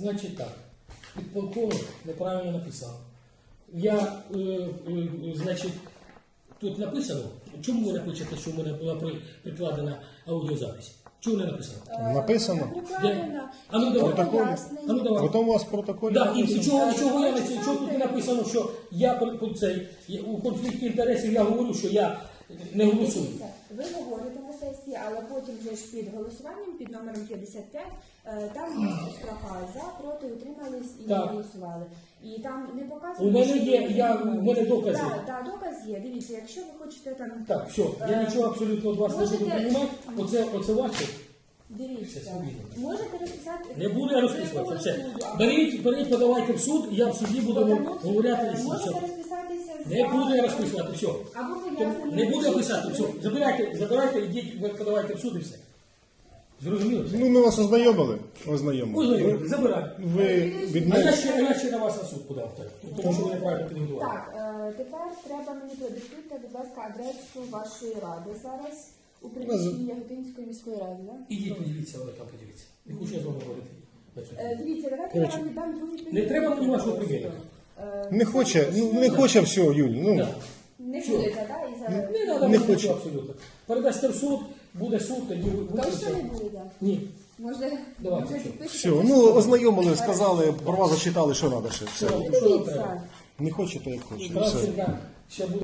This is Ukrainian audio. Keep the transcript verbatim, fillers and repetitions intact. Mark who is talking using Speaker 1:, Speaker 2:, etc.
Speaker 1: Значить так, підполковник неправильно написав. Я, е, е, значить, тут написано, чому ви не пишете, що в мене була при- прикладена аудіозапись? Чому не написано?
Speaker 2: Написано.
Speaker 3: Правильно.
Speaker 1: А ну давай.
Speaker 2: Протокол.
Speaker 1: А ну давай.
Speaker 2: Потім у вас в протоколі
Speaker 1: Да, і
Speaker 2: написано.
Speaker 1: чого, чого, я, на це- чого тут не написано, що я при- при цей, я- у конфлікті інтересів я говорю, що я не голосую.
Speaker 3: Дивіться, ви говорите на сесії, але потім вже ж під голосуванням, під номером п'ятдесят п'ять, е, там є строка за, проти, утримались і не
Speaker 1: Так.
Speaker 3: голосували. І там не показано,
Speaker 1: У мене
Speaker 3: що
Speaker 1: є,
Speaker 3: ви
Speaker 1: я-
Speaker 3: утримались.
Speaker 1: у мене докази.
Speaker 3: Так, так, доказ є. Дивіться, якщо ви хочете там...
Speaker 1: Так, все, я нічого абсолютно від вас не буду
Speaker 3: Можете-
Speaker 1: приймати. Оце, оце ваше.
Speaker 3: Дивіться,
Speaker 1: Все, собі.
Speaker 3: можете розписати...
Speaker 1: Не буду я розписуватися. Все.
Speaker 3: Суду, а
Speaker 1: Беріть, беріть, подавайте в суд, і я в суді буду
Speaker 3: Тому,
Speaker 1: вам говорити. і все.
Speaker 3: Можете розписатися за...
Speaker 1: Не буду я розписувати, все.
Speaker 3: Або пояснення.
Speaker 1: Не буду я писати, все. Забирайте, забирайте, ідіть, ви подавайте в суд і все. Зрозуміло? Все.
Speaker 2: Ну, ми вас ознайомили. Ознайомили.
Speaker 1: Ой,
Speaker 2: Ви,
Speaker 1: забирай.
Speaker 2: ви
Speaker 1: А я
Speaker 2: відмовили.
Speaker 1: ще, а я ще на вас на суд подав, так. Тому що ви неправильно підготували.
Speaker 3: Так, е, тепер треба мені продиктуйте, будь ласка, адресу вашої ради зараз у приміщенні Яготинської міської ради, так?
Speaker 1: Ідіть, подивіться, але там подивіться. Не хочу я з вами говорити. на цю тему.
Speaker 3: Е, Дивіться, давайте я вам віддам другий
Speaker 1: Не треба мені вашого приміру.
Speaker 3: Е,
Speaker 2: Не хоче, ну не хоче все, Юль. Ну,
Speaker 1: Так.
Speaker 3: Не
Speaker 1: Все.
Speaker 3: будете, так? І за...
Speaker 1: Не треба
Speaker 2: Не
Speaker 1: мені
Speaker 2: хочу.
Speaker 1: нічого абсолютно. Передасте в суд, буде суд, тоді ви
Speaker 3: Точно
Speaker 1: виключите.
Speaker 3: не будете?
Speaker 1: Ні.
Speaker 3: Може,
Speaker 1: Давайте,
Speaker 3: може
Speaker 1: все.
Speaker 3: підпишете?
Speaker 2: все, ну ознайомили, сказали, права зачитали, що треба ще. Все.
Speaker 1: Що вам треба?
Speaker 3: Дивіться.
Speaker 2: Не хоче, то як хоче. Все.
Speaker 1: Кравченка ще буде.